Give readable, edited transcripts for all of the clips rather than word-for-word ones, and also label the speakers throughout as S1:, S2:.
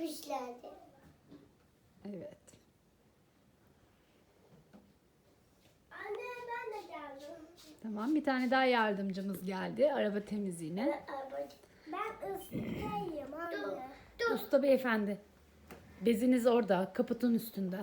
S1: Kuşlardı.
S2: Evet.
S1: Anne ben de geldim.
S2: Tamam, bir tane daha yardımcımız geldi araba temizliğine.
S1: Ben ıslıyım anne.
S2: Usta beyefendi. Beziniz orada, kaputun üstünde.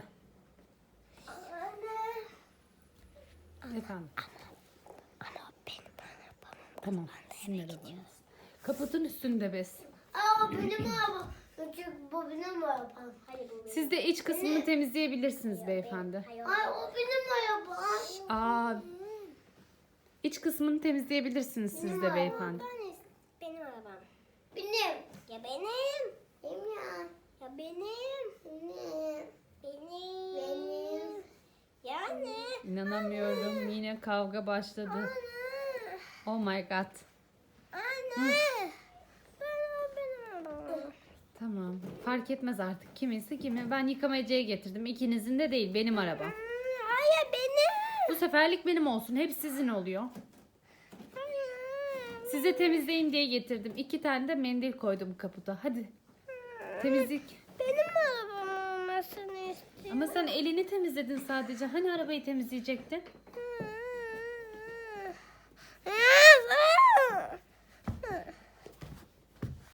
S1: Anne.
S2: Efendim.
S1: Ama benim arabam.
S2: Tamam, sizin arabanız. Kaputun üstünde bez.
S1: Aa benim arabam. Çünkü bu benim arabam. Hayır bu benim.
S2: Siz de iç kısmını temizleyebilirsiniz beyefendi.
S1: Ay o benim arabam.
S2: Aa, iç kısmını temizleyebilirsiniz siz de beyefendi.
S1: Benim arabam. Benim. Ya benim. Benim ya. Ya benim. Benim. Benim. Benim. Yani.
S2: İnanamıyorum, yine kavga başladı.
S1: Anne.
S2: Oh my god.
S1: Anne. Benim arabam.
S2: Tamam, fark etmez artık kiminse kimi. Ben yıkamacıya getirdim. İkinizin de değil, benim arabam.
S1: Hayır benim.
S2: Bu seferlik benim olsun. Hep sizin oluyor. Size temizleyin diye getirdim. 2 tane de mendil koydum kaputa. Hadi. Temizlik.
S1: Benim arabam olmasını istiyorum.
S2: Ama sen elini temizledin sadece. Hani arabayı temizleyecektin?